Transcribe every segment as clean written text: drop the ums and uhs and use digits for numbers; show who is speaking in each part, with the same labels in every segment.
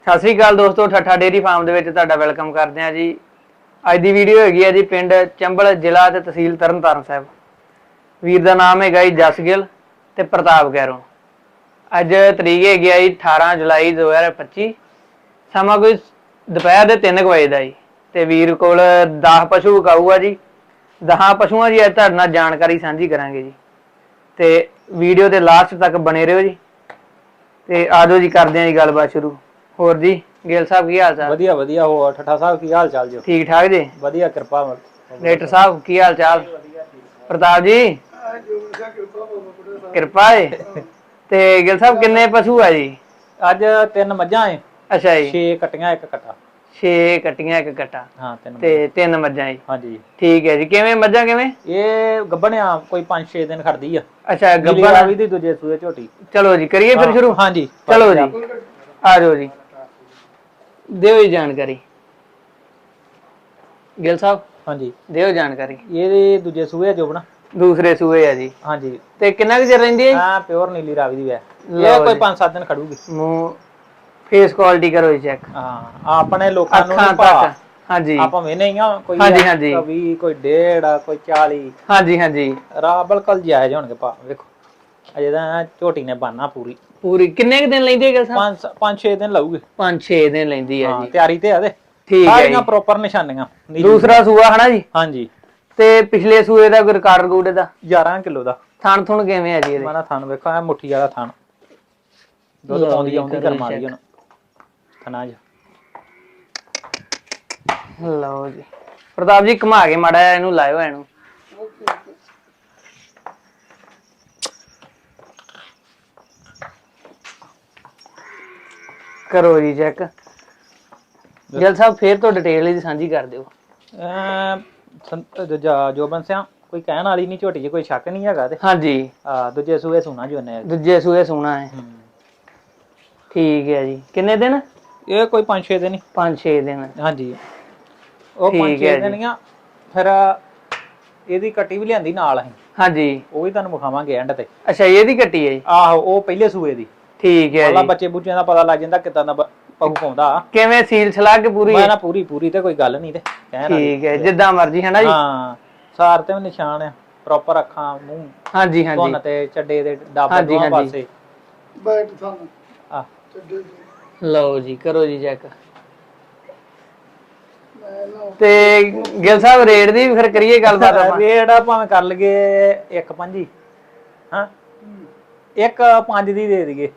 Speaker 1: ਸਤਿ ਸ੍ਰੀ ਅਕਾਲ ਦੋਸਤੋ, ਠੱਠਾ dairy farm ਦੇ ਵਿੱਚ ਤੁਹਾਡਾ ਵੈਲਕਮ ਕਰਦੇ ਹਾਂ ਜੀ। ਅੱਜ ਦੀ ਵੀਡੀਓ ਹੈਗੀ ਹੈ ਜੀ ਪਿੰਡ ਚੰਬਲ, ਜ਼ਿਲ੍ਹਾ ਤੇ ਤਹਿਸੀਲ ਤਰਨਤਾਰਨ ਸਾਹਿਬ। ਵੀਰ ਦਾ ਨਾਮ ਹੈਗਾ ਜੀ ਜਸ ਗਿੱਲ ਤੇ ਪ੍ਰਤਾਪ ਗੈਰੋਂ। ਅੱਜ ਤਰੀਕ ਹੈਗੀ ਆ ਜੀ 18 ਜੁਲਾਈ 2025। ਸਮਾਂ ਕੋਈ ਦੁਪਹਿਰ ਦੇ 3 ਵਜੇ ਦਾ ਜੀ। ਤੇ ਵੀਰ ਕੋਲ 10 ਪਸ਼ੂ ਵਿਕਾਊ ਆ ਜੀ। 10 ਪਸ਼ੂਆਂ ਦੀ ਅੱਜ ਤੁਹਾਡੇ ਨਾਲ ਜਾਣਕਾਰੀ ਸਾਂਝੀ ਕਰਾਂਗੇ ਜੀ। ਤੇ ਵੀਡੀਓ ਦੇ ਲਾਸਟ ਤੱਕ ਬਣੇ ਰਹੋ ਜੀ। ਤੇ ਆਜੋ ਜੀ, ਕਰਦੇ ਹਾਂ ਜੀ ਗੱਲਬਾਤ ਸ਼ੁਰੂ। ਹੋਰ ਜੀ ਗਿੱਲ ਸਾਹਿਬ ਕੀ ਹਾਲ ਚਾਲ?
Speaker 2: ਵਧੀਆ ਵਧੀਆ। ਹੋਰ ਠੱਠਾ ਸਾਹਿਬ ਕੀ ਹਾਲ ਚਾਲ ਜੀ?
Speaker 1: ਠੀਕ ਠਾਕ ਜੀ,
Speaker 2: ਵਧੀਆ ਕਿਰਪਾ।
Speaker 1: ਡਾਕਟਰ ਸਾਹਿਬ ਕੀ ਹਾਲ ਚਾਲ? ਪ੍ਰਤਾਪ ਜੀ ਕਿਰਪਾ ਹੈ। ਤੇ ਗਿੱਲ ਸਾਹਿਬ ਕਿੰਨੇ ਪਸ਼ੂ ਆ ਜੀ?
Speaker 2: ਅੱਜ 3 ਮੱਝਾਂ ਏ।
Speaker 1: ਅੱਛਾ ਜੀ।
Speaker 2: 6 ਕੱਟੀਆਂ 1 ਕੱਟਾ।
Speaker 1: 6 ਕੱਟੀਆਂ 1 ਕੱਟਾ।
Speaker 2: ਹਾਂ 3
Speaker 1: ਤੇ 3 ਮੱਝਾਂ ਜੀ।
Speaker 2: ਹਾਂਜੀ
Speaker 1: ਠੀਕ ਹੈ ਜੀ। ਕਿਵੇਂ ਮੱਝਾਂ ਕਿਵੇਂ?
Speaker 2: ਇਹ ਗੱਭਣਿਆ ਕੋਈ 5-6 ਦਿਨ ਖੜਦੀ ਆ।
Speaker 1: ਅੱਛਾ ਗੱਭਣ
Speaker 2: ਵੀ ਦੀ ਦੂਜੇ ਸੂਏ ਝੋਟੀ।
Speaker 1: ਚਲੋ ਜੀ ਕਰੀਏ ਫਿਰ ਸ਼ੁਰੂ।
Speaker 2: ਹਾਂਜੀ
Speaker 1: ਚਲੋ ਜੀ ਆ ਜਾਓ ਜੀ, ਦਿਓ ਜੀ ਜਾਣਕਾਰੀ ਗਿੱਲ ਸਾਹਿਬ।
Speaker 2: ਹਾਂਜੀ
Speaker 1: ਦਿਓ ਜਾਣਕਾਰੀ।
Speaker 2: ਇਹਦੇ ਦੂਜੇ ਸੂਏ ਜੋਬਣਾ।
Speaker 1: ਦੂਸਰੇ ਸੂਏ ਆ ਜੀ।
Speaker 2: ਹਾਂਜੀ।
Speaker 1: ਤੇ ਕਿੰਨਾ ਕੁ ਚਿਰ ਰਹਿੰਦੀ ਹੈ?
Speaker 2: ਹਾਂ ਪਿਓਰ ਨੀਲੀ ਰਾਵੀ ਦੀ ਹੈ। ਇਹ ਕੋਈ 5-7 ਦਿਨ ਖੜੂਗੀ।
Speaker 1: ਮੂੰਹ ਫੇਸ ਕੁਆਲਿਟੀ ਕਰੋ ਜੀ ਚੈੱਕ।
Speaker 2: ਹਾਂ ਆਪਣੇ ਲੋਕਾਂ ਨੂੰ
Speaker 1: ਅੱਖਾਂ ਤੱਕ। ਹਾਂਜੀ
Speaker 2: ਆਪਾਂ ਵੇਨੇ ਹੀ ਆ ਕੋਈ
Speaker 1: ਹਾਂਜੀ ਹਾਂਜੀ
Speaker 2: 20 ਕੋਈ 1.5 ਕੋਈ 40।
Speaker 1: ਹਾਂਜੀ ਹਾਂਜੀ
Speaker 2: ਰਾ ਬਿਲਕੁਲ ਜਾਇਜ਼ ਹੋਣਗੇ ਭਾ। ਵੇਖੋ ਅਜੇ ਤਾਂ ਝੋਟੀ ਨੇ ਬਾਨਾ ਪੂਰੀ
Speaker 1: ਕਿੰਨੇ ਕੁ ਦਿਨ ਲੈਂਦੀ ਹੈ ਗਿੱਲ ਸਾਹਿਬ?
Speaker 2: 5-6 ਦਿਨ ਲਾਊਗੇ।
Speaker 1: 5-6 ਦਿਨ ਲੈਂਦੀ ਹੈ ਜੀ।
Speaker 2: ਤਿਆਰੀ ਤੇ ਆ ਦੇ
Speaker 1: ਠੀਕ ਹੈ
Speaker 2: ਸਾਰੀਆਂ ਪ੍ਰੋਪਰ ਨਿਸ਼ਾਨੀਆਂ।
Speaker 1: ਦੂਸਰਾ ਸੂਆ ਹਨਾ ਜੀ?
Speaker 2: ਹਾਂਜੀ।
Speaker 1: ਤੇ ਪਿਛਲੇ ਸੂਏ ਦਾ ਕੋਈ ਰਿਕਾਰਡ ਰੂਡ ਦਾ?
Speaker 2: 11 ਕਿਲੋ ਦਾ।
Speaker 1: ਥਣ ਥੁਣ ਕਿਵੇਂ ਹੈ ਜੀ ਇਹਦੇ?
Speaker 2: ਮਾਨਾ ਥਣ ਵੇਖੋ ਐ ਮੁੱਠੀ ਵਾਲਾ ਥਣ। ਦੁੱਧ ਪਾਉਂਦੀ ਆਉਂਦੀ ਕਰਮਾ ਦੀ ਹੁਣ ਥਣਾ ਜੀ।
Speaker 1: ਲਓ ਜੀ ਪ੍ਰਤਾਪ ਜੀ ਘੁਮਾ ਕੇ ਮਾੜਾ ਜਿਹਾ ਇਹਨੂੰ ਲਾਇਓ ਇਹਨੂੰ। ਕਰੋ ਜੀ ਚੈੱਕ। ਗਿੱਲ ਸਾਹਿਬ ਫੇਰ ਤੋਂ ਡਿਟੇਲ ਇਹਦੀ ਸਾਂਝੀ ਕਰ ਦਿਓ।
Speaker 2: ਜੋਬਨ ਸਿਆ ਕੋਈ ਕਹਿਣ ਵਾਲੀ ਨਹੀਂ, ਝੋਟੀ 'ਚ ਕੋਈ ਸ਼ੱਕ ਨਹੀਂ ਹੈਗਾ ਤੇ।
Speaker 1: ਹਾਂਜੀ।
Speaker 2: ਦੂਜੇ ਸੂਏ ਸੋਨਾ ਜੀ ਉਹਨੇ।
Speaker 1: ਦੂਜੇ ਸੂਏ ਸੋਨਾ ਹੈ। ਠੀਕ ਹੈ ਜੀ। ਕਿੰਨੇ ਦਿਨ?
Speaker 2: ਇਹ ਕੋਈ 5-6 ਦਿਨ ਹੀ।
Speaker 1: 5-6 ਦਿਨ।
Speaker 2: ਹਾਂਜੀ। ਉਹ 5-6 ਦਿਨ ਹੀ ਆ। ਫਿਰ ਇਹਦੀ ਕੱਟੀ ਵੀ ਲਿਆਂਦੀ ਨਾਲ ਅਸੀਂ। ਹਾਂਜੀ। ਉਹ ਵੀ ਤੁਹਾਨੂੰ ਵਿਖਾਵਾਂਗੇ ਐਂਡ ਤੇ।
Speaker 1: ਅੱਛਾ ਇਹਦੀ ਕੱਟੀ ਹੈ? ਆਹੋ
Speaker 2: ਉਹ ਪਹਿਲੇ ਸੂਏ ਦੀ। ਠੀਕ ਹੈ ਜੀ। ਬੱਚੇ ਬੁੱਚਿਆਂ ਦਾ ਪਤਾ ਲੱਗ ਜਾਂਦਾ ਕਿੱਦਾਂ ਦਾ ਪਹੂ ਪਾਉਂਦਾ। ਕਿਵੇਂ ਸੀਲ ਸਲਾਹ ਕੇ ਪੂਰੀ? ਮੈਂ ਨਾ ਪੂਰੀ ਤੇ ਕੋਈ ਗੱਲ ਨਹੀਂ ਤੇ ਕਹਿਣ ਵਾਲੀ। ਠੀਕ ਹੈ ਜਿੱਦਾਂ ਮਰਜ਼ੀ ਹੈ ਨਾ ਜੀ। ਹਾਂ ਸਾਰ ਤੇ ਵੀ ਨਿਸ਼ਾਨ ਆ ਪ੍ਰੋਪਰ। ਅੱਖਾਂ ਮੂੰਹ ਹਾਂਜੀ ਹਾਂਜੀ ਧੁੰਨ ਤੇ ਚੱਡੇ ਦੇ ਡੱਬ ਦੋਹਾਂ ਪਾਸੇ ਬੈਠ ਸਾਨੂੰ ਆ ਚੱਡੇ। ਲਓ ਜੀ ਕਰੋ ਜੀ ਚੈੱਕ।
Speaker 1: ਤੇ ਗਿੱਲ ਸਾਹਿਬ ਰੇਟ ਦੀ ਵੀ ਫਿਰ ਕਰੀਏ ਗੱਲਬਾਤ ਆਪਾਂ।
Speaker 2: ਰੇਟ ਆ ਭਾਵੇਂ ਕਰ ਲਈਏ 1.5। ਹਾਂ 1.5 ਦੀ ਦੇ ਦਈਏ।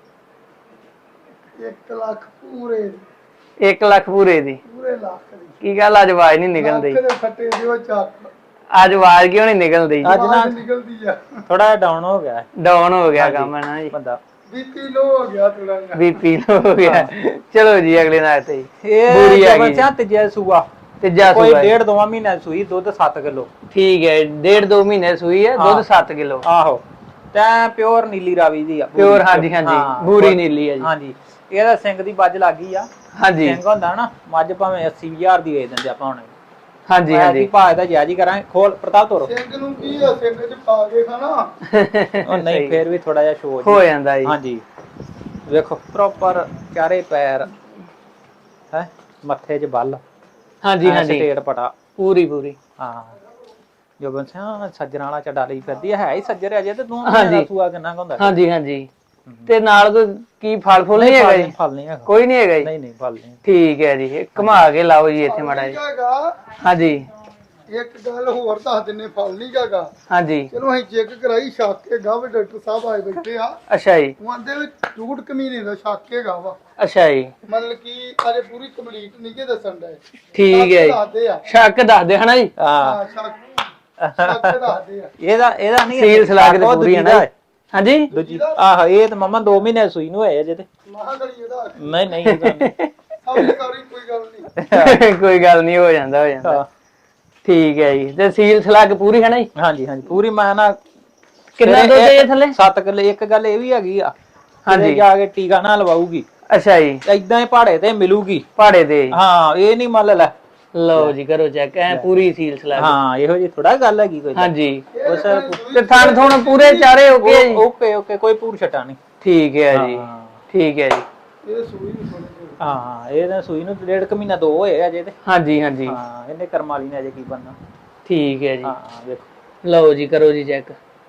Speaker 1: 1 ਲੱਖ ਪੂਰੇ? 1 ਲੱਖ ਪੂਰੇ ਦੀ? ਪੂਰੇ ਲੱਖ ਦੀ। ਕੀ ਗੱਲ ਅੱਜ ਆਵਾਜ਼ ਨਹੀਂ ਨਿਕਲਦੀ? ਅੱਜ ਆਵਾਜ਼ ਕਿਉਂ ਨਹੀਂ ਨਿਕਲਦੀ?
Speaker 2: ਅੱਜ ਨਾ ਨਿਕਲਦੀ ਆ ਥੋੜਾ ਜਿਹਾ ਡਾਊਨ ਹੋ ਗਿਆ।
Speaker 1: ਡਾਊਨ ਹੋ ਗਿਆ ਕੰਮ ਹੈ ਨਾ ਜੀ।
Speaker 2: ਬੰਦਾ
Speaker 1: ਬੀਪੀ ਲੋ ਹੋ ਗਿਆ ਥੋੜਾ ਜਿਹਾ। ਬੀਪੀ ਲੋ ਹੋ ਗਿਆ। ਚਲੋ ਜੀ ਅਗਲੇ ਨਾਲ ਤੇ
Speaker 2: ਪੂਰੀ ਆ ਗਈ। ਤੀਜਾ ਸੂਆ।
Speaker 1: ਤੀਜਾ ਸੂਆ
Speaker 2: 1.5-2 ਮਹੀਨੇ ਸੂਈ। ਦੁੱਧ 7 ਕਿਲੋ।
Speaker 1: ਠੀਕ ਹੈ 1.5-2 ਮਹੀਨੇ ਸੂਈ ਹੈ। ਦੁੱਧ 7 ਕਿਲੋ।
Speaker 2: ਆਹੋ ਤੇ ਪਿਓਰ ਨੀਲੀ ਰਾਵੀ ਦੀ ਆ।
Speaker 1: ਪਿਓਰ ਹਾਂਜੀ ਹਾਂਜੀ ਬੂਰੀ ਨੀਲੀ ਹੈ ਜੀ।
Speaker 2: ਹਾਂਜੀ। ਇਹਦਾ ਸਿੰਘ ਦੀ ਬੱਜ ਲੱਗ ਗਈ ਆ। ਹਾਂਜੀ ਸਿੰਘ ਹੁੰਦਾ ਨਾ ਮੱਝ ਭਾਵੇਂ 80,000 ਦੀ ਵੇਚ ਦਿੰਦੇ ਆਪਾਂ ਹੁਣ। ਹਾਂਜੀ ਹਾਂਜੀ ਭਾਅ ਦਾ ਜਾਇਜ਼ ਹੀ ਕਰਾਂਗੇ। ਖੋਲ ਪ੍ਰਤਾਪ ਤੋਰੋ। ਸਿੰਘ ਨੂੰ ਕੀ ਆ ਸਿੰਘ ਚ ਪਾ ਕੇ ਖਾਣਾ। ਉਹ ਨਹੀਂ ਫੇਰ ਵੀ ਥੋੜਾ ਜਿਹਾ ਸ਼ੋਅ
Speaker 1: ਹੋ ਜਾਂਦਾ ਜੀ।
Speaker 2: ਹਾਂਜੀ ਵੇਖੋ ਪ੍ਰੋਪਰ ਚਾਰੇ ਪੈਰ ਹੈ ਮੱਥੇ 'ਚ ਬੱਲ। ਹਾਂਜੀ ਹਾਂਜੀ ਸਟੇਟ ਪਟਾ ਪੂਰੀ ਹਾਂ। ਜੋਬਨ ਸਿਆ ਸੱਜਣਾ ਵਾਲਾ ਚੱਡਾ ਲਈ ਫਿਰਦੀ ਹੈ ਹੀ ਸੱਜਰ ਅਜੇ ਤੇ ਤੂੰ ਸੂਆ ਕਿੰਨਾ ਹੁੰਦਾ।
Speaker 1: ਹਾਂਜੀ ਹਾਂਜੀ। ਤੇ ਨਾਲ ਕੋਈ ਕੀ ਫਲ ਫੁੱਲ ਨਹੀਂ ਹੈਗਾ ਜੀ?
Speaker 2: ਫਲ ਨਹੀਂ ਹੈਗਾ
Speaker 1: ਕੋਈ ਨਹੀਂ ਹੈਗਾ ਜੀ?
Speaker 2: ਨਹੀਂ ਫਲ ਨਹੀਂ।
Speaker 1: ਠੀਕ ਹੈ ਜੀ। ਘੁਮਾ ਕੇ ਲਾਓ ਜੀ ਇੱਥੇ ਮਾੜਾ ਜੀ। ਹਾਂਜੀ
Speaker 3: ਇੱਕ ਗੱਲ ਹੋਰ ਦੱਸ ਦਿੰਨੇ, ਫਲ ਨਹੀਂ ਹੈਗਾ।
Speaker 1: ਹਾਂਜੀ
Speaker 3: ਚਲੋ ਅਸੀਂ ਚੈੱਕ ਕਰਾਈ ਸ਼ੱਕ ਹੈਗਾ ਵਾ। ਡਾਕਟਰ ਸਾਹਿਬ ਆਏ ਬੈਠੇ ਆ।
Speaker 1: ਅੱਛਾ ਜੀ।
Speaker 3: ਉਹਦੇ ਵਿੱਚ ਝੂਠ ਕਮੀਨੇ ਦਾ ਸ਼ੱਕ ਹੈਗਾ ਵਾ।
Speaker 1: ਅੱਛਾ ਜੀ।
Speaker 3: ਮਤਲਬ ਕਿ ਅਜੇ ਪੂਰੀ ਕੰਪਲੀਟ ਨਹੀਂ ਕੇ ਦੱਸਣ ਦਾ।
Speaker 1: ਠੀਕ ਹੈ ਜੀ। ਸ਼ੱਕ ਦੱਸਦੇ ਹਨਾ ਜੀ?
Speaker 3: ਹਾਂ ਸ਼ੱਕ ਦੱਸਦੇ ਆ।
Speaker 2: ਇਹਦਾ ਨਹੀਂ
Speaker 1: ਸੀਲ ਸਲਾਹ ਕੇ ਪੂਰੀ ਹੈ ਨਾ। ਹਾਂਜੀ
Speaker 2: ਦੂਜੀ ਆਹ ਇਹ ਤਾਂ ਮਮਾ 2 ਮਹੀਨੇ ਸੂਈ ਨੂੰ ਹੋਏ ਅਜੇ ਤੇ। ਨਹੀਂ
Speaker 1: ਕੋਈ ਗੱਲ ਨਹੀਂ ਹੋ ਜਾਂਦਾ। ਠੀਕ ਹੈ ਜੀ। ਤੇ ਸੀਲ ਸਲਾਹ ਕੇ ਪੂਰੀ ਹੈ ਨਾ ਜੀ?
Speaker 2: ਹਾਂਜੀ ਹਾਂਜੀ ਪੂਰੀ। ਮੈਂ ਨਾ
Speaker 1: ਕਿੰਨਾ ਦੁੱਧ ਹੈ ਥੱਲੇ?
Speaker 2: 7 ਕਿਲੋ। ਇੱਕ ਗੱਲ ਇਹ ਵੀ ਹੈਗੀ ਆ ਹਾਂਜੀ ਜਾ ਕੇ ਟੀਕਾ ਨਾ ਲਵਾਉਗੀ।
Speaker 1: ਅੱਛਾ ਜੀ।
Speaker 2: ਏਦਾਂ ਹੀ ਪਹਾੜੇ ਤੇ ਮਿਲੂਗੀ।
Speaker 1: ਪਹਾੜੇ ਤੇ?
Speaker 2: ਹਾਂ ਇਹ ਨਹੀਂ ਮੰਨ ਲੈ।
Speaker 1: ਲਓ ਜੀ ਕਰੋ ਚੈੱਕ। ਐ ਪੂਰੀ ਸੀਲ ਸਲਾਹ।
Speaker 2: ਹਾਂ ਇਹੋ ਜੀ ਥੋੜਾ ਗੱਲ ਹੈਗੀ ਕੋਈ।
Speaker 1: ਹਾਂਜੀ ਤੇ ਥਣ ਥੁਣ ਪੂਰੇ ਚਾਰੇ ਓਕੇ ਜੀ?
Speaker 2: ਓਕੇ ਕੋਈ ਪੂਰ ਛਟਾ ਨਹੀਂ।
Speaker 1: ਠੀਕ ਹੈ ਜੀ। ਠੀਕ ਹੈ ਜੀ।
Speaker 3: ਇਹ ਸੂਈ
Speaker 2: ਹਾਂ ਇਹ ਸੂਈ ਨੂੰ 1.5 ਮਹੀਨਾ 2 ਹੋਏ ਅਜੇ ਤੇ।
Speaker 1: ਹਾਂਜੀ ਹਾਂਜੀ
Speaker 2: ਹਾਂ ਇਹਨੇ ਕਰਮ ਵਾਲੀ ਨੇ ਅਜੇ ਕੀ ਬਣਨਾ।
Speaker 1: ਠੀਕ ਹੈ ਜੀ।
Speaker 2: ਹਾਂ ਵੇਖੋ
Speaker 1: ਲਓ ਜੀ ਕਰੋ ਜੀ ਚੈੱਕ।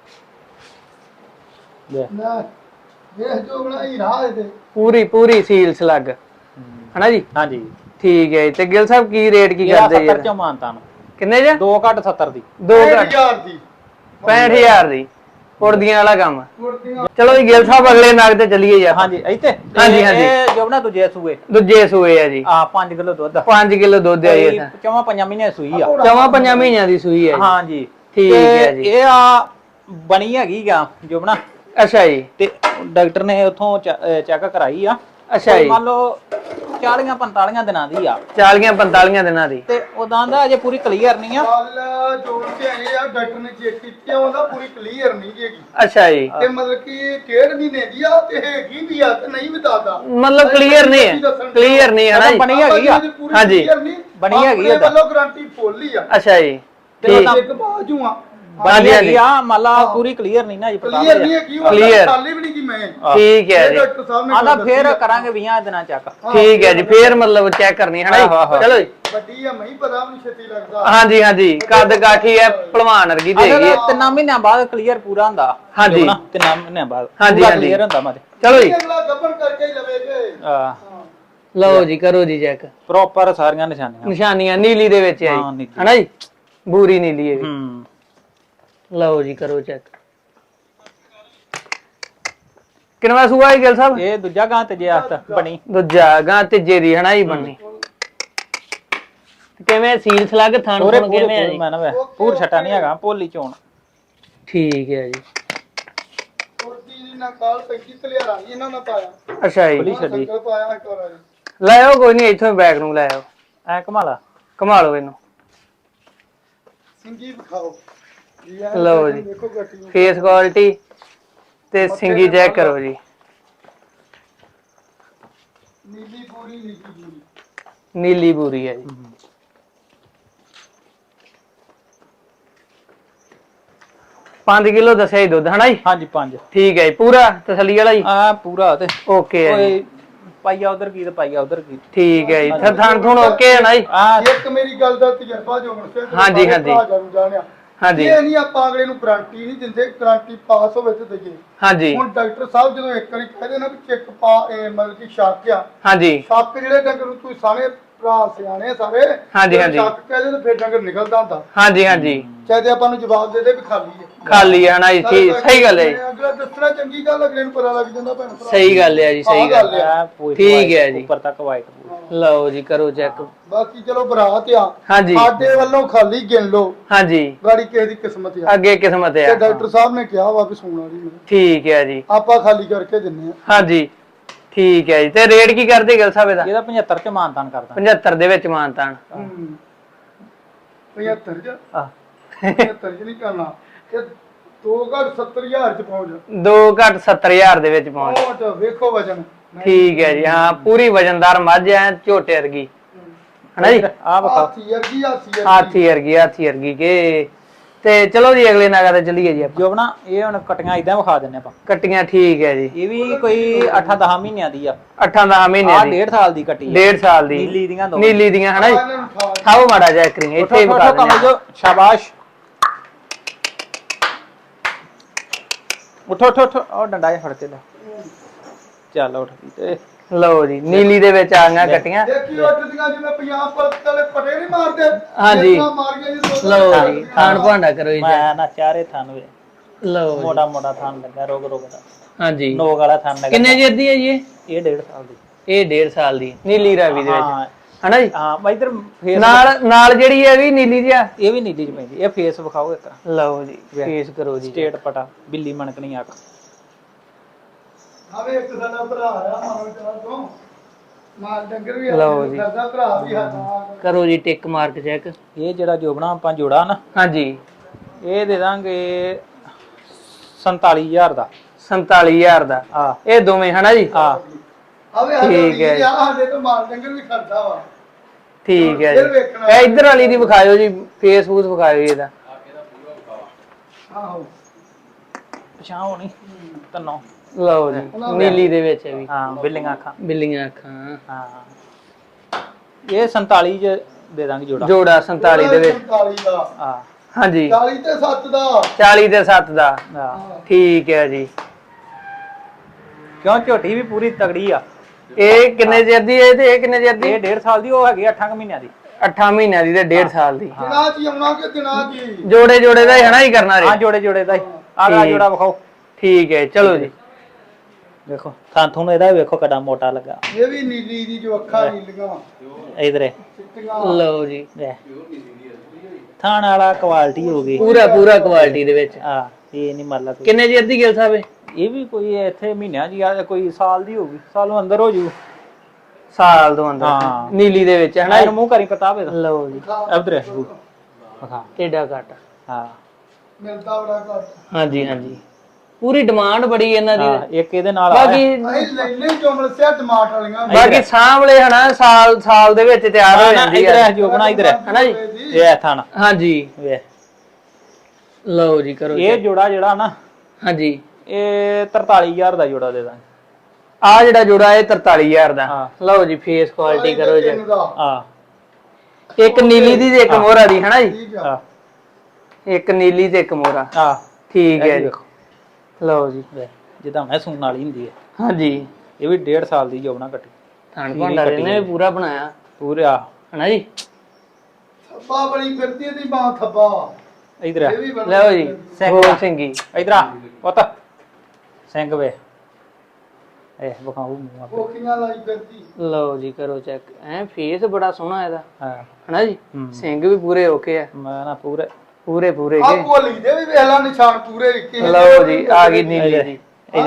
Speaker 3: ਨਾ ਇਹ ਜੋ ਬਣਾਈ ਰਾਹ ਦੇ
Speaker 1: ਪੂਰੀ ਪੂਰੀ ਸੀਲ ਸਲੱਗ ਹਨਾ ਜੀ।
Speaker 2: ਹਾਂਜੀ
Speaker 1: ਠੀਕ ਹੈ ਜੀ। ਤੇ ਗਿੱਲ ਸਾਹਿਬ ਕੀ ਰੇਟ ਕੀ ਕਰਦੇ ਜੀ?
Speaker 2: 70 ਚੋਂ ਮਾਨਤਾ ਨੂੰ
Speaker 1: ਕਿੰਨੇ ਜੀ?
Speaker 2: 2 ਘੱਟ 70 ਦੀ।
Speaker 1: 2 ਘੱਟ
Speaker 3: 1000 ਦੀ
Speaker 1: 65000 ਦੀ ਕੁੜਦੀਆਂ ਵਾਲਾ ਕੰਮ।
Speaker 3: ਕੁੜਤੀਆਂ
Speaker 1: ਚਲੋ ਜੀ ਗਿੱਲ ਸਾਹਿਬ ਅਗਲੇ ਨਗ ਤੇ ਚੱਲੀਏ ਜੀ।
Speaker 2: ਹਾਂਜੀ ਇੱਥੇ
Speaker 1: ਹਾਂਜੀ, ਹਾਂਜੀ।
Speaker 2: ਇਹ ਜੋ ਨਾ ਦੂਜੇ ਸੂਏ
Speaker 1: ਦੂਜੇ ਸੂਏ ਆ ਜੀ।
Speaker 2: 5 ਕਿਲੋ ਦੁੱਧ
Speaker 1: 5 ਕਿਲੋ ਦੁੱਧ ਹੈ ਜੀ।
Speaker 2: ਚਵਾਂ 5 ਮਹੀਨੇ ਸੂਈ ਆ।
Speaker 1: ਚਵਾਂ 5 ਮਹੀਨਿਆਂ ਦੀ ਸੂਈ ਹੈ ਜੀ।
Speaker 2: ਹਾਂਜੀ
Speaker 1: ਠੀਕ ਹੈ ਜੀ।
Speaker 2: ਇਹ ਆ ਬਣੀ ਹੈਗੀ ਗਾ ਜੁਬਨਾ।
Speaker 1: ਅੱਛਾ ਜੀ।
Speaker 2: ਤੇ ਡਾਕਟਰ ਨੇ ਉਥੋਂ ਚੈੱਕ ਕਰਾਈ ਆ।
Speaker 1: ਅੱਛਾ ਜੀ।
Speaker 2: ਮੰਨ ਲਓ 40-45 ਦਿਨਾਂ ਦੀ ਆ।
Speaker 1: 40-45 ਦਿਨਾਂ ਦੀ।
Speaker 2: ਤੇ ਉਦਾਂ ਦਾ ਅਜੇ ਪੂਰੀ ਕਲੀਅਰ ਨਹੀਂ ਆ।
Speaker 3: ਗੱਲ ਜੋੜ ਕੇ ਆਏ ਆ ਡਾਕਟਰ ਨੇ ਚੈੱਕ ਕੀਤੀ ਆ ਉਹਦਾ ਪੂਰੀ ਕਲੀਅਰ ਨਹੀਂ ਹੈਗੀ।
Speaker 1: ਅੱਛਾ ਜੀ।
Speaker 3: ਤੇ ਮਤਲਬ ਕਿ 1.5 ਮਹੀਨੇ ਦੀ ਆ ਤੇ ਹੈਗੀ ਵੀ ਆ ਤੇ ਨਹੀਂ ਵੀ ਦੱਸਦਾ।
Speaker 1: ਮਤਲਬ ਕਲੀਅਰ ਨਹੀਂ ਹੈ। ਕਲੀਅਰ ਨਹੀਂ ਹੈ ਨਾ ਜੀ।
Speaker 2: ਬਣੀ ਹੈਗੀ ਆ।
Speaker 1: ਹਾਂਜੀ
Speaker 2: ਬਣੀ ਹੈਗੀ ਆ।
Speaker 3: ਵੱਲੋਂ ਗਾਰੰਟੀ ਫੁੱਲ ਹੀ ਆ।
Speaker 1: ਅੱਛਾ ਜੀ।
Speaker 3: ਤੇ ਇੱਕ ਬਾਜੂ ਆ
Speaker 2: ਬਣੀ ਹੈਗੀ ਆ ਮੰਨ ਲਾ ਪੂਰੀ ਕਲੀਅਰ ਨਹੀਂ ਨਾ ਜੀ। ਪਤਾ
Speaker 3: ਕਲੀਅਰ ਨਹੀਂ ਹੈਗੀ ਉਹ
Speaker 1: Clear।
Speaker 3: ਖਾਲੀ ਵੀ ਨਹੀਂ ਕੀ ਮੈਂ
Speaker 1: ਠੀਕ ਹੈ ਜੀ।
Speaker 3: ਡਾਕਟਰ ਸਾਹਿਬ ਨੇ
Speaker 2: ਆਂਦਾ ਫੇਰ ਕਰਾਂਗੇ 20 ਦਿਨਾਂ ਚੱਕ।
Speaker 1: ਠੀਕ ਹੈ ਜੀ। ਫੇਰ ਮਤਲਬ ਚੈੱਕ ਕਰਨੀ ਹੈ ਨਾ ਜੀ। ਚਲੋ ਜੀ।
Speaker 3: ਵੱਡੀ ਆ ਮੈਂ ਪਤਾ ਨਹੀਂ ਛੇਤੀ ਲੱਗਦਾ।
Speaker 1: ਹਾਂਜੀ ਹਾਂਜੀ ਕੱਦ ਕਾਠੀ ਹੈ ਭਲਵਾਨ ਵਰਗੀ ਤੇ ਹੈਗੀ ਹੈ।
Speaker 2: 3 ਮਹੀਨਿਆਂ ਬਾਅਦ ਕਲੀਅਰ ਪੂਰਾ ਹੁੰਦਾ।
Speaker 1: ਹਾਂਜੀ।
Speaker 2: 3 ਮਹੀਨਿਆਂ ਬਾਅਦ
Speaker 1: ਹਾਂਜੀ,
Speaker 2: ਪੂਰਾ
Speaker 1: ਹਾਂਜੀ।
Speaker 2: ਕਲੀਅਰ ਹੁੰਦਾ ਮਾਦੇ।
Speaker 1: ਚਲੋ ਜੀ।
Speaker 3: ਅਗਲਾ ਗੱਬਰ ਕਰਕੇ ਹੀ ਲਵੇਗੇ।
Speaker 1: ਲਓ ਜੀ ਕਰੋ ਜੀ ਚੈੱਕ।
Speaker 2: ਪ੍ਰੋਪਰ ਸਾਰੀਆਂ ਨਿਸ਼ਾਨੀਆਂ
Speaker 1: ਨਿਸ਼ਾਨੀਆਂ ਨੀਲੀ ਦੇ ਵਿੱਚ ਹੈ
Speaker 2: ਹਾਂ,
Speaker 1: ਜੀ
Speaker 2: ਨੀਲੀ।
Speaker 1: ਹਨਾ ਜੀ। ਬੂਰੀ ਨੀਲੀ ਹੈ ਜੀ।
Speaker 2: ਹੂੰ
Speaker 1: ਲਓ ਜੀ ਕਰੋ ਚੈੱਕ। ਕਿੰਨਵਾਂ ਸੂਆ ਹੈ ਗਿੱਲ ਸਾਹਿਬ?
Speaker 2: ਇਹ ਦੂਜਾ ਗਾਂ ਤੇ ਜੇ ਆਸਤ ਬਣੀ।
Speaker 1: ਦੂਜਾ ਗਾਂ ਤੀਜੇ ਦੀ ਹਨਾ ਜੀ ਬਣਨੀ। ਕਿਵੇਂ ਸੀਲ ਸਲੱਗ ਥਣ
Speaker 2: ਪੂਰੇ
Speaker 1: ਥਣ ਕਿਵੇਂ ਹੈ ਜੀ?
Speaker 2: ਮੈਂ ਨਾ ਵੇ ਪੂਰ ਛਟਾ ਨਹੀਂ ਹੈਗਾ ਭੋਲੀ ਚੋਣ।
Speaker 1: ਠੀਕ ਹੈ ਜੀ।
Speaker 3: ਕੁਰਤੀ ਦੀ ਨਾ ਕਾਲ 35 ਤਲਿਆਰਾ ਇਹਨਾਂ ਨਾਲ ਪਾਇਆ।
Speaker 1: ਅੱਛਾ ਜੀ।
Speaker 2: ਭੋਲੀ ਛੱਡੀ
Speaker 3: ਸੰਗਲ ਪਾਇਆ ਇੱਕ ਵਾਰ
Speaker 1: ਲੈ ਆਓ ਕੋਈ ਨਹੀਂ ਇੱਥੋਂ ਬੈਕ ਨੂੰ ਲੈ ਆਓ।
Speaker 2: ਐ ਕਮਾਲਾ
Speaker 1: ਘੁਮਾ ਲਓ ਇਹਨੂੰ।
Speaker 3: ਸਿੰਗੀ ਵਿਖਾਓ।
Speaker 1: ਲਓ ਜੀ।
Speaker 3: ਦੇਖੋ ਗੱਟੀ ਨੂੰ
Speaker 1: ਫੇਸ ਕੁਆਲਿਟੀ ਤੇ ਸਿੰਗੀ ਚੈੱਕ ਕਰੋ ਜੀ।
Speaker 3: ਨੀਲੀ ਪੂਰੀ ਨੀਲੀ ਪੂਰੀ
Speaker 1: ਨੀਲੀ ਬੂਰੀ ਹੈ ਜੀ। 5 ਕਿਲੋ ਦੱਸਿਆ ਜੀ ਦੁੱਧ ਹਨਾ ਜੀ।
Speaker 2: ਹਾਂਜੀ 5
Speaker 1: ਠੀਕ ਹੈ ਜੀ। ਪੂਰਾ ਤਸੱਲੀ ਵਾਲਾ ਜੀ।
Speaker 2: ਆ ਪੂਰਾ ਤੇ
Speaker 1: ਓਕੇ ਹੈ ਜੀ।
Speaker 2: ਕੋਈ ਪਾਈਆ ਉਧਰ ਕੀ ਤੇ ਪਾਈਆ ਉਧਰ ਕੀ।
Speaker 1: ਠੀਕ ਹੈ ਜੀ। ਥਣ ਥਣ ਓਕੇ ਹੈ ਨਾ ਜੀ।
Speaker 2: ਆ
Speaker 3: ਇੱਕ ਮੇਰੀ ਗੱਲ ਦਾ ਤਜਰਬਾ ਜੋ ਹੁਣ ਸੇ
Speaker 1: ਹਾਂਜੀ, ਹਾਂਜੀ।
Speaker 3: ਜਾਣਿਆ
Speaker 1: ਹਾਂਜੀ
Speaker 3: ਇਹ ਨਹੀਂ ਆਪਾਂ ਅਗਲੇ ਨੂੰ ਗਾਰੰਟੀ ਨਹੀਂ ਦਿੰਦੇ। ਗਾਰੰਟੀ ਪਾਸ ਹੋਵੇ ਤੇ ਦਈਏ।
Speaker 1: ਹਾਂਜੀ
Speaker 3: ਹੁਣ ਡਾਕਟਰ ਸਾਹਿਬ ਜਦੋਂ ਇੱਕ ਵਾਰੀ ਕਹਿੰਦੇ ਨਾ ਵੀ ਚੈੱਕ ਪਾ ਮਤਲਬ ਕਿ ਸ਼ੱਕ ਆ।
Speaker 1: ਹਾਂਜੀ
Speaker 3: ਸ਼ੱਕ ਜਿਹੜੇ ਡੰਗਰ ਨੂੰ ਤੁਸੀਂ ਸਾਰੇ ਭਰਾ ਸਿਆਣੇ ਸਾਰੇ
Speaker 1: ਹਾਂਜੀ, ਹਾਂਜੀ।
Speaker 3: ਸ਼ੱਕ ਕਹਿੰਦੇ ਤੇ ਫਿਰ ਡੰਗਰ ਨਿਕਲਦਾ ਹੁੰਦਾ।
Speaker 1: ਹਾਂਜੀ ਹਾਂਜੀ
Speaker 3: ਚਾਹੇ ਆਪਾਂ ਨੂੰ ਜਵਾਬ ਦੇ ਦੇ ਵੀ ਖਾਲੀ ਹੈ।
Speaker 1: ਖਾਲੀ ਹੈ ਨਾ ਜੀ। ਠੀਕ ਸਹੀ ਗੱਲ ਹੈ ਜੀ।
Speaker 3: ਅਗਲਾ ਦੱਸਣਾ ਚੰਗੀ ਗੱਲ ਅਗਲੇ ਨੂੰ ਪਤਾ ਲੱਗ ਜਾਂਦਾ ਭੈਣ ਭਰਾ।
Speaker 1: ਸਹੀ ਗੱਲ ਹੈ ਜੀ। ਸਹੀ ਗੱਲ ਹੈ।
Speaker 2: ਆ ਪੂਰੀ
Speaker 1: ਠੀਕ ਹੈ ਜੀ।
Speaker 2: ਉੱਪਰ ਤੱਕ ਵਾਈਟ।
Speaker 1: ਲਓ ਜੀ ਕਰੋ ਚੈੱਕ।
Speaker 3: ਬਾਕੀ ਚਲੋ ਬਰਾਤ ਆ
Speaker 1: ਹਾਂਜੀ
Speaker 3: ਸਾਡੇ ਵੱਲੋਂ ਖਾਲੀ ਗਿਣ ਲਓ।
Speaker 1: ਹਾਂਜੀ
Speaker 3: ਗਾੜੀ ਕਿਸੇ ਦੀ ਕਿਸਮਤ ਆ।
Speaker 1: ਅੱਗੇ ਕਿਸਮਤ
Speaker 3: ਤੇ
Speaker 1: ਹੈ।
Speaker 3: ਡਾਕਟਰ ਸਾਹਿਬ ਨੇ ਕਿਹਾ ਵਾ ਵੀ ਸੂਣ ਵਾਲੀ ਨਹੀਂ।
Speaker 1: ਠੀਕ ਹੈ ਜੀ।
Speaker 3: ਆਪਾਂ ਖਾਲੀ ਕਰਕੇ ਦਿੰਨੇ ਆ।
Speaker 1: ਹਾਂਜੀ ਠੀਕ ਹੈ ਜੀ। ਤੇ ਰੇਟ ਕੀ ਕਰਦੇ ਗਿੱਲ ਸਾਹਿਬ ਇਹਦਾ?
Speaker 2: ਇਹਦਾ 75 ਚ ਮਾਨਤਾਨ ਕਰਦਾ।
Speaker 1: 75 ਦੇ ਵਿੱਚ ਮਾਨਤਾਨ।
Speaker 3: 75 ਚ
Speaker 1: ਆ
Speaker 3: 75 ਚ ਨਹੀਂ ਕਰਨਾ। ਤੇ 2 ਘੱਟ 70000 ਚ ਪਹੁੰਚ
Speaker 1: 2 ਘੱਟ 70000 ਦੇ ਵਿੱਚ ਪਹੁੰਚ।
Speaker 3: ਪਹੁੰਚ ਵੇਖੋ ਵਜਨ।
Speaker 1: ਠੀਕ ਹੈ ਜੀ। ਹਾਂ ਪੂਰੀ ਵਜਨਦਾਰ ਮੱਝ ਐ ਝੋਟੇ ਵਰਗੀ ਹਨਾ ਜੀ।
Speaker 2: ਆ ਵਿਖਾ
Speaker 3: ਹਾਥੀ ਵਰਗੀ
Speaker 1: ਹਾਥੀ ਵਰਗੀ ਕੇ। ਤੇ ਚਲੋ ਜੀ ਅਗਲੇ ਨਾਗਾ ਤੇ ਚੱਲੀਏ ਜੀ ਆਪਾਂ।
Speaker 2: ਜੋਬਣਾ ਇਹ ਹੁਣ ਕਟੀਆਂ ਇਦਾਂ ਵਿਖਾ ਦਿੰਨੇ ਆਪਾਂ।
Speaker 1: ਕੱਟੀਆਂ ਠੀਕ ਹੈ ਜੀ।
Speaker 2: ਇਹ ਵੀ ਕੋਈ 8-10 ਮਹੀਨਿਆਂ ਦੀ ਆ।
Speaker 1: 8-10 ਮਹੀਨੇ
Speaker 2: ਆ
Speaker 1: ਦੀ।
Speaker 2: 1.5 ਸਾਲ ਦੀ ਕੱਟੀ ਆ।
Speaker 1: 1.5 ਸਾਲ ਦੀ
Speaker 2: ਨੀਲੀ ਦੀਆਂ ਦੋ।
Speaker 1: ਨੀਲੀ ਦੀਆਂ ਹਨਾ ਜੀ। ਖਾਓ ਮਾੜਾ ਜਿਹਾ ਕਰੀ ਇੱਥੇ ਹੀ ਵਿਖਾ
Speaker 2: ਕਮਲ
Speaker 1: ਦਿੰਦੇ
Speaker 2: ਜੋ ਸ਼ਾਬਾਸ਼। ਉਠੋ ਉਠੋ ਉਠੋ ਉਹ ਡੰਡਾ ਜਿਹਾ ਫੜ ਕੇ ਲੈ। ਚੱਲ ਉੱਠ ਗਈ ਤੇ
Speaker 1: ਲਓ ਜੀ ਨੀਲੀ ਦੇ ਵਿੱਚ ਆ ਗਈਆਂ ਕੱਟੀਆਂ।
Speaker 3: ਦੇਖੀ ਉੱਠਦੀਆਂ ਜਿਵੇਂ ਪੰਜਾਬ ਪੁਲਿਸ ਵਾਲੇ ਪਟੇ ਨਹੀਂ ਮਾਰਦੇ।
Speaker 1: ਹਾਂਜੀ।
Speaker 3: ਇਸ ਤਰ੍ਹਾਂ ਮਾਰ ਕੇ ਜੀ
Speaker 1: ਲਓ ਜੀ ਖਾਣ ਭਾਂਡਾ ਕਰੋ ਜੀ।
Speaker 2: ਮੈਂ ਨਾ ਚਾਰੇ ਥਾਨ ਵੇ
Speaker 1: ਲਓ ਜੀ।
Speaker 2: ਮੋਟਾ ਮੋਟਾ ਥਾਨ ਲੱਗਾ ਰੋਗ ਦਾ।
Speaker 1: ਹਾਂਜੀ
Speaker 2: ਨੋਕ ਵਾਲਾ ਥਾਨ ਲੱਗਾ।
Speaker 1: ਕਿੰਨੇ ਚਿਰ ਦੀ ਹੈ ਜੀ ਇਹ?
Speaker 2: ਇਹ 1.5 ਸਾਲ ਦੀ।
Speaker 1: ਇਹ 1.5 ਸਾਲ ਦੀ ਨੀਲੀ ਰਾਵੀ ਦੇ ਵਿੱਚ
Speaker 2: ਹਾਂ
Speaker 1: ਹਨਾ ਜੀ।
Speaker 2: ਹਾਂ ਮੈਂ ਇਧਰ ਫੇਸ
Speaker 1: ਨਾਲ ਜਿਹੜੀ ਹੈ ਵੀ ਨੀਲੀ ਜਿਹਾ।
Speaker 2: ਇਹ ਵੀ ਨੀਲੀ ਚ ਪੈਂਦੀ। ਇਹ ਫੇਸ ਵਿਖਾਓ ਇੱਕ।
Speaker 1: ਲਓ ਜੀ ਫੇਸ ਕਰੋ ਜੀ।
Speaker 2: ਸਟੇਟ ਪਟਾ ਬਿੱਲੀ ਮਣਕਣੀ ਅੱਖ।
Speaker 3: ਆਵੇ ਇੱਕ ਸਾਡਾ ਭਰਾ ਆ ਮਾਨੋ ਚਾਹ ਤੋਂ ਮਾਲ ਡੰਗਰ ਵੀ
Speaker 1: ਲਓ ਜੀ।
Speaker 3: ਕਰਦਾ ਭਰਾ ਵੀ ਸਾਡਾ।
Speaker 1: ਕਰੋ ਜੀ ਟਿਕ ਮਾਰਕ ਚੈੱਕ।
Speaker 2: ਇਹ ਜਿਹੜਾ ਜੋਬਣਾ ਆਪਾਂ ਜੋੜਾ ਨਾ
Speaker 1: ਹਾਂਜੀ
Speaker 2: ਇਹ ਦੇ ਦਾਂਗੇ 47000 ਦਾ।
Speaker 1: 47000 ਦਾ।
Speaker 2: ਆ
Speaker 1: ਇਹ ਦੋਵੇਂ ਹਨਾ ਜੀ।
Speaker 2: ਆ
Speaker 3: ਆਵੇ
Speaker 1: ਠੀਕ ਹੈ।
Speaker 3: ਸਾਡੇ ਤੋਂ ਮਾਲ ਡੰਗਰ ਵੀ ਕਰਦਾ ਵਾ।
Speaker 1: ਠੀਕ ਹੈ ਜੀ। ਇਹ ਇੱਧਰ ਵਾਲੀ ਦੀ ਵਿਖਾਇਓ ਜੀ। ਫੇਸਬੁੱਕ ਵਿਖਾਇਓ ਜੀ ਇਹਦਾ।
Speaker 3: ਆਹੋ
Speaker 2: ਪਛਾਣ ਹੋਣੀ ਤਨੋਂ
Speaker 1: ਲਓ ਜੀ ਨੀਲੀ ਦੇ ਵਿੱਚ ਹੈ ਵੀ
Speaker 2: ਹਾਂ ਬਿੱਲੀਆਂ ਅੱਖਾਂ ਹਾਂ ਇਹ 47 ਚ ਦੇ ਦਾਂਗੇ ਜੋੜਾ 47
Speaker 1: ਦੇ ਵਿੱਚ
Speaker 3: 47 ਦਾ
Speaker 2: ਹਾਂ
Speaker 1: ਹਾਂਜੀ
Speaker 3: 40 ਤੇ 7 ਦਾ
Speaker 1: 40 ਤੇ 7 ਦਾ
Speaker 2: ਹਾਂ
Speaker 1: ਠੀਕ ਹੈ ਜੀ
Speaker 2: ਕਿਉਂ ਝੋਟੀ ਵੀ ਪੂਰੀ ਤਗੜੀ ਆ
Speaker 1: ਇਹ ਕਿੰਨੇ ਚਿਰ ਦੀ ਹੈ ਤੇ ਇਹ ਕਿੰਨੇ ਚਿਰ ਦੀ
Speaker 2: ਇਹ 1.5 ਸਾਲ ਦੀ ਉਹ ਹੈਗੀ 8 ਮਹੀਨਿਆਂ ਦੀ
Speaker 1: 8 ਮਹੀਨਿਆਂ ਦੀ ਤੇ 1.5 ਸਾਲ ਦੀ
Speaker 3: ਦਿਨਾਂ ਜੀ ਆਉਣਾ ਕਿ ਦਿਨਾਂ ਜੀ
Speaker 1: ਜੋੜੇ ਦਾ ਹੀ ਹਨਾ ਹੀ ਕਰਨਾ ਰੇ
Speaker 2: ਹਾਂ ਜੋੜੇ ਦਾ ਹੀ ਆਹ ਜੋੜਾ ਵਿਖਾਓ
Speaker 1: ਠੀਕ ਹੈ ਚਲੋ ਜੀ
Speaker 2: ਦੇਖੋ ਤੁਹਾਨੂੰ ਇਹਦਾ ਵੇਖੋ ਕਿੰਨਾ ਮੋਟਾ ਲੱਗਾ
Speaker 3: ਇਹ ਵੀ ਨੀਲੀ ਦੀ ਜੋ ਅੱਖਾਂ ਨੀਲੀਆਂ
Speaker 2: ਇਧਰੇ
Speaker 1: ਲਓ ਜੀ
Speaker 2: ਥਾਣ ਵਾਲਾ ਕੁਆਲਿਟੀ ਹੋ ਗਈ
Speaker 1: ਪੂਰਾ ਕੁਆਲਿਟੀ ਦੇ ਵਿੱਚ
Speaker 2: ਹਾਂ ਇਹ ਨਹੀਂ ਮਤਲਬ
Speaker 1: ਕਿੰਨੇ ਚਿਰ ਦੀ ਗਿਲ ਸਾਹਿਬ
Speaker 2: ਇਹ ਵੀ ਕੋਈ ਇੱਥੇ ਮਹੀਨਿਆਂ ਦੀ ਆ ਕੋਈ ਸਾਲ ਦੀ ਹੋਊਗੀ ਸਾਲੋਂ ਅੰਦਰ ਹੋ ਜੂ
Speaker 1: ਸਾਲ ਤੋਂ ਅੰਦਰ
Speaker 2: ਹਾਂ
Speaker 1: ਨੀਲੀ ਦੇ ਵਿੱਚ ਹਨਾ
Speaker 2: ਇਹਨੂੰ ਮੂੰਹ ਕਰੀ ਪਤਾ ਹੋਵੇ
Speaker 1: ਲਓ ਜੀ
Speaker 2: ਇਧਰ ਹਾਂ
Speaker 1: ਟੇਡਾ ਕੱਟ
Speaker 2: ਹਾਂ
Speaker 3: ਮਿਲਦਾ ਬੜਾ ਘੱਟ
Speaker 1: ਹਾਂਜੀ ਪੂਰੀ ਡਿਮਾਂਡ ਬੜੀ ਇਹਨਾਂ ਦੀ
Speaker 2: ਇੱਕ ਇਹਦੇ ਨਾਲ
Speaker 1: ਬਾਕੀ
Speaker 3: ਅਸੀਂ ਲੈਣੇ ਜੁਮਲ ਸਿਆ ਟਮਾਟਰ ਵਾਲੀਆਂ
Speaker 1: ਬਾਕੀ ਸਾਹਮਣੇ ਹਨਾ ਸਾਲ ਦੇ ਵਿੱਚ ਤਿਆਰ ਹੋ ਜਾਂਦੀ
Speaker 2: ਹੈ ਜੋ ਬਣਾ ਇਧਰ
Speaker 1: ਹਨਾ ਜੀ
Speaker 2: ਇਹ ਥਾਣ
Speaker 1: ਹਾਂਜੀ
Speaker 2: ਵੇ
Speaker 1: ਲਓ ਜੀ ਕਰੋ
Speaker 2: ਇਹ ਜੋੜਾ ਜਿਹੜਾ ਨਾ
Speaker 1: ਹਾਂਜੀ
Speaker 2: ਇਹ 43000 ਦਾ ਜੋੜਾ ਦੇ ਦਾਂਗੇ
Speaker 1: ਆ ਜਿਹੜਾ ਜੋੜਾ ਇਹ 43000 ਦਾ ਲਓ ਜੀ ਫੇਸ ਕੁਆਲਿਟੀ ਕਰੋ ਜੀ
Speaker 2: ਹਾਂ
Speaker 1: ਇੱਕ ਨੀਲੀ ਦੀ ਤੇ ਇੱਕ ਮੋਹਰਾ ਦੀ ਹਨਾ ਜੀ
Speaker 2: ਹਾਂ
Speaker 1: ਇੱਕ ਨੀਲੀ ਤੇ ਇੱਕ ਮੋਹਰਾ
Speaker 2: ਹਾਂ
Speaker 1: ਠੀਕ ਹੈ ਜੀ ਲਓ ਜੀ
Speaker 2: ਜਿੱਦਾਂ ਮੈਂ ਸੂਣ ਵਾਲੀ ਹੁੰਦੀ ਹੈ
Speaker 1: ਹਾਂਜੀ
Speaker 2: ਇਹ ਵੀ 1.5 ਸਾਲ ਦੀ ਜੋਬਣਾ ਕੱਟੀ
Speaker 1: ਥਣ ਭਾਂਡਾਰੇ ਨੇ ਪੂਰਾ ਬਣਾਇਆ
Speaker 2: ਪੂਰਾ
Speaker 1: ਹਨਾ ਜੀ
Speaker 3: ਥੱਬਾ ਬੜੀ ਫਿਰਦੀ ਦੀ ਬਾਹ ਥੱਬਾ
Speaker 2: ਇਧਰ
Speaker 1: ਲਓ ਜੀ ਗੋਲ ਸਿੰਘੀ
Speaker 2: ਇਧਰ ਆ ਪੁੱਤ ਸਿੰਘ ਵੇ ਇਹ ਵਿਖਾਉ ਮੂੰਹ
Speaker 3: ਕੋਖੀਆਂ ਲਾਈ ਫਿਰਦੀ
Speaker 1: ਲਓ ਜੀ ਕਰੋ ਚੈੱਕ ਫੇਸ ਬੜਾ ਸੋਹਣਾ ਇਹਦਾ
Speaker 2: ਹਾਂ
Speaker 1: ਹਨਾ ਜੀ ਸਿੰਘ ਵੀ ਪੂਰੇ ਓਕੇ ਆ
Speaker 2: ਮੈਂ ਨਾ ਪੂਰੇ
Speaker 3: ਆ ਭੋਲੀ ਦੇ ਵੀ ਵੇਖ ਲਾ ਨਿਸ਼ਾਨ ਪੂਰੇ ਕਿਸੇ
Speaker 1: ਲਓ ਜੀ ਆ ਗਈ ਨੀਲੀ ਜੀ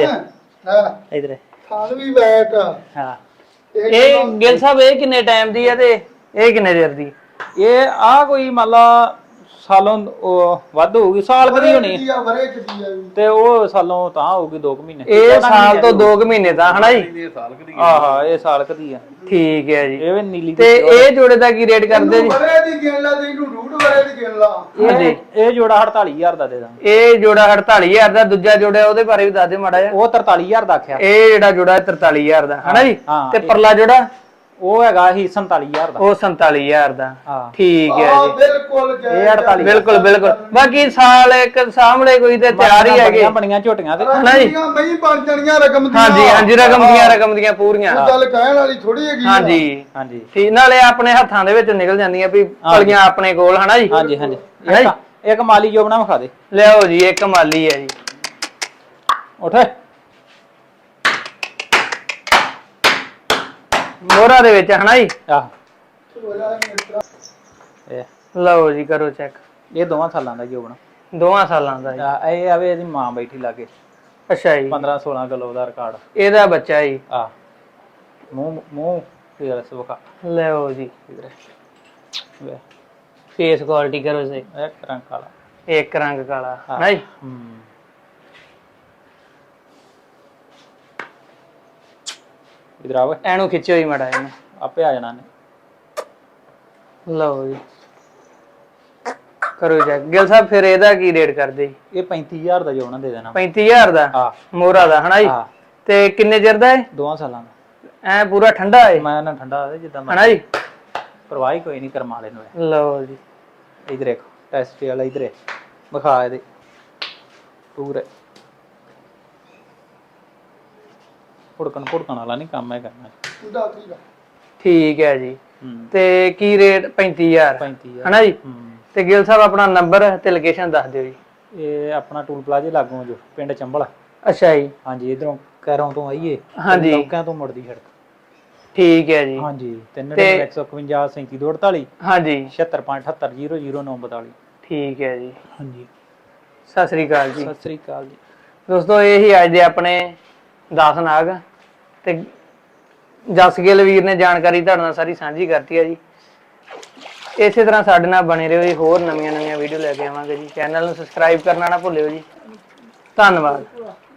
Speaker 2: ਇਧਰ
Speaker 3: ਥਾਲ ਵੀ ਬੈਕ
Speaker 2: ਹਾਂ
Speaker 1: ਇਹ ਗਿਲ ਸਾਹਿਬ ਇਹ ਕਿੰਨੇ ਟਾਈਮ ਦੀ ਆ ਤੇ ਇਹ ਕਿੰਨੇ ਚਿਰ ਦੀ
Speaker 2: ਇਹ ਆ ਕੋਈ ਮੰਨ ਲਾ ਸਾਲੋਂ ਵੱਧ ਹੋਊਗੀ ਸਾਲ ਕਦੀ ਹੋਣੀ ਤੇ ਉਹ ਸਾਲੋਂ ਤਾਂ ਹੋਊਗੀ 2 ਮਹੀਨੇ
Speaker 1: ਇਹ ਸਾਲ ਤੋਂ 2 ਮਹੀਨੇ ਤਾਂ ਹਨਾ ਜੀ
Speaker 2: ਆਹਾ ਇਹ ਸਾਲ ਕਦੀ ਆ
Speaker 1: ਠੀਕ ਹੈ ਜੀ
Speaker 2: ਇਹ ਵੀ ਨੀਲੀ
Speaker 1: ਤੇ ਇਹ ਜੋੜੇ ਦਾ ਕੀ ਰੇਟ ਕਰਦੇ ਜੀ
Speaker 3: ਵਰੇ ਦੀ ਗਿਣ ਲਾ ਤੇ ਇਹਨੂੰ ਰੂਟ ਵਰੇ ਦੀ ਗਿਣ ਲਾ
Speaker 2: ਇਹ ਜੋੜਾ 48000 ਦਾ ਦੇ ਦਾਂਗੇ
Speaker 1: ਇਹ ਜੋੜਾ 48000 ਦਾ ਦੂਜਾ ਜੋੜਾ ਉਹਦੇ ਬਾਰੇ ਵੀ ਦੱਸ ਦੇ ਮਾੜਾ ਜਿਹਾ
Speaker 2: ਉਹ 43000 ਦਾ ਆਖਿਆ
Speaker 1: ਇਹ ਜਿਹੜਾ ਜੋੜਾ 43000 ਦਾ ਹਨਾ ਜੀ ਤੇ ਪਰਲਾ ਜੋੜਾ
Speaker 2: ਉਹ ਹੈਗਾ ਹੀ 47000 ਦਾ
Speaker 1: ਉਹ 47000 ਦਾ
Speaker 2: ਹਾਂ
Speaker 1: ਠੀਕ ਹੈ ਜੀ
Speaker 3: ਬਿਲਕੁਲ
Speaker 2: ਇਹ 48
Speaker 1: ਬਿਲਕੁਲ ਬਾਕੀ ਸਾਲ ਇੱਕ ਸਾਹਮਣੇ ਕੋਈ ਤੇ ਤਿਆਰ ਹੀ ਹੈਗੇ
Speaker 2: ਬਣੀਆਂ ਝੋਟੀਆਂ ਤੇ
Speaker 3: ਹਨਾ ਜੀ ਨਹੀਂ ਬਣ ਜਾਣੀਆਂ ਰਕਮ ਦੀਆਂ
Speaker 1: ਹਾਂਜੀ ਰਕਮ ਦੀਆਂ ਪੂਰੀਆਂ
Speaker 3: ਗੱਲ ਕਹਿਣ ਵਾਲੀ ਥੋੜੀ ਹੈਗੀ
Speaker 2: ਹਾਂਜੀ
Speaker 1: ਠੀਕ ਨਾਲੇ ਆਪਣੇ ਹੱਥਾਂ ਦੇ ਵਿੱਚ ਨਿਕਲ ਜਾਂਦੀਆਂ ਵੀ ਪਲੀਆਂ ਆਪਣੇ ਕੋਲ ਹਨਾ ਜੀ
Speaker 2: ਹਾਂਜੀ ਇੱਕ ਮਾਲੀ ਜੋ ਬਣਾ ਵਿਖਾ ਦੇ
Speaker 1: ਲਿਆਓ ਜੀ ਇੱਕ ਮਾਲੀ ਹੈ ਜੀ
Speaker 2: ਉੱਠ
Speaker 1: ਮੋਹਰਾ ਦੇ ਵਿੱਚ ਹਨਾ ਜੀ
Speaker 2: ਆਹ
Speaker 1: ਲਓ ਜੀ ਕਰੋ ਚੈੱਕ
Speaker 2: ਇਹ 2 ਸਾਲਾਂ ਦਾ ਜੋ ਬਣਾ
Speaker 1: 2 ਸਾਲਾਂ ਦਾ ਜੀ
Speaker 2: ਇਹ ਆਵੇ ਇਹਦੀ ਮਾਂ ਬੈਠੀ ਲਾਗੇ
Speaker 1: ਅੱਛਾ ਜੀ
Speaker 2: 15-16 ਕਿਲੋ ਦਾ ਰਿਕਾਰਡ
Speaker 1: ਇਹਦਾ ਬੱਚਾ ਜੀ
Speaker 2: ਆ ਮੂੰਹ ਫੇਰ ਵਿਖਾ
Speaker 1: ਲਿਆਓ ਜੀ
Speaker 2: ਵੇ
Speaker 1: ਫੇਸ ਕੁਆਲਿਟੀ ਕਰੋ ਜੀ
Speaker 2: ਇੱਕ ਰੰਗ ਕਾਲਾ
Speaker 1: ਇੱਕ ਰੰਗ ਕਾਲਾ ਹਨਾ ਜੀ
Speaker 2: ਇਧਰ ਆਵੇ
Speaker 1: ਐਨੂੰ ਖਿੱਚਿਓ ਹੀ ਮੜਾ ਇਹਨੂੰ
Speaker 2: ਆਪੇ ਆ ਜਾਣਾ ਨੇ
Speaker 1: ਲਓ ਜੀ ਕਰੋ ਜੀ ਗਿਲ ਸਾਹਿਬ ਫਿਰ ਇਹਦਾ ਕੀ ਰੇਟ ਕਰਦੇ
Speaker 2: ਇਹ 35000 ਦਾ ਜੋਣਾ ਦੇ ਦੇਣਾ
Speaker 1: 35000 ਦਾ
Speaker 2: ਹਾਂ
Speaker 1: ਮੋਹਰਾ ਦਾ ਹਨਾ ਜੀ ਤੇ ਕਿੰਨੇ ਚਿਰ ਦਾ ਹੈ
Speaker 2: 2 ਸਾਲਾਂ ਦਾ
Speaker 1: ਐ ਪੂਰਾ ਠੰਡਾ ਹੈ
Speaker 2: ਮੈਂ ਨਾ ਠੰਡਾ ਹੋਵੇ ਜਿੱਦਾਂ
Speaker 1: ਹਨਾ ਜੀ
Speaker 2: ਪਰਵਾਹੀ ਕੋਈ ਨਹੀਂ ਕਰਮਾ ਲੈ ਨੂੰ
Speaker 1: ਲਓ ਜੀ
Speaker 2: ਇਧਰ ਦੇਖੋ ਟੈਸਟ ਵਾਲਾ ਇਧਰ ਵਿਖਾ ਇਹਦੇ ਪੂਰੇ ਫੁੜਕਣ ਵਾਲਾ ਨਹੀਂ ਕੰਮ ਹੈ ਕਰਨਾ
Speaker 1: ਠੀਕ ਹੈ ਜੀ ਤੇ ਕੀ ਰੇਟ 35000 ਹਨਾ ਜੀ ਤੇ ਗਿਲ ਸਾਹਿਬ ਆਪਣਾ ਨੰਬਰ ਤੇ ਲੋਕੇਸ਼ਨ ਦੱਸ ਦਿਓ ਜੀ
Speaker 2: ਇਹ ਆਪਣਾ ਟੂਲ ਪਲਾਜ਼ੇ ਲਾਗੋਂ ਜੋ ਪਿੰਡ ਚੰਬਲ
Speaker 1: ਅੱਛਾ ਜੀ
Speaker 2: ਹਾਂਜੀ ਇਧਰੋਂ ਕੈਰੋਂ ਤੋਂ ਆਈਏ
Speaker 1: ਹਾਂਜੀ
Speaker 2: ਲੋਕਾਂ ਤੋਂ ਮੁੜਦੀ ਸੜਕ
Speaker 1: ਠੀਕ ਹੈ ਜੀ
Speaker 2: ਹਾਂਜੀ 39151 3748
Speaker 1: ਹਾਂਜੀ
Speaker 2: 7658700942
Speaker 1: ਠੀਕ ਹੈ ਜੀ
Speaker 2: ਹਾਂਜੀ
Speaker 1: ਸਤਿ ਸ੍ਰੀ ਅਕਾਲ ਜੀ
Speaker 2: ਸਤਿ ਸ੍ਰੀ ਅਕਾਲ ਜੀ
Speaker 1: ਦੋਸਤੋ ਇਹ ਹੀ ਅੱਜ ਦੇ ਆਪਣੇ 10 ਨਾਗ ਤੇ ਜਸਗਿੱਲ ਵੀਰ ਨੇ ਜਾਣਕਾਰੀ ਤੁਹਾਡੇ ਨਾਲ ਸਾਰੀ ਸਾਂਝੀ ਕਰਤੀ ਹੈ ਜੀ ਇਸੇ ਤਰ੍ਹਾਂ ਸਾਡੇ ਨਾਲ ਬਣੇ ਰਹੋ ਜੀ ਹੋਰ ਨਵੀਆਂ ਵੀਡੀਓ ਲੈ ਕੇ ਆਵਾਂਗੇ ਜੀ ਚੈਨਲ ਨੂੰ ਸਬਸਕ੍ਰਾਈਬ ਕਰਨਾ ਨਾ ਭੁੱਲਿਓ ਜੀ ਧੰਨਵਾਦ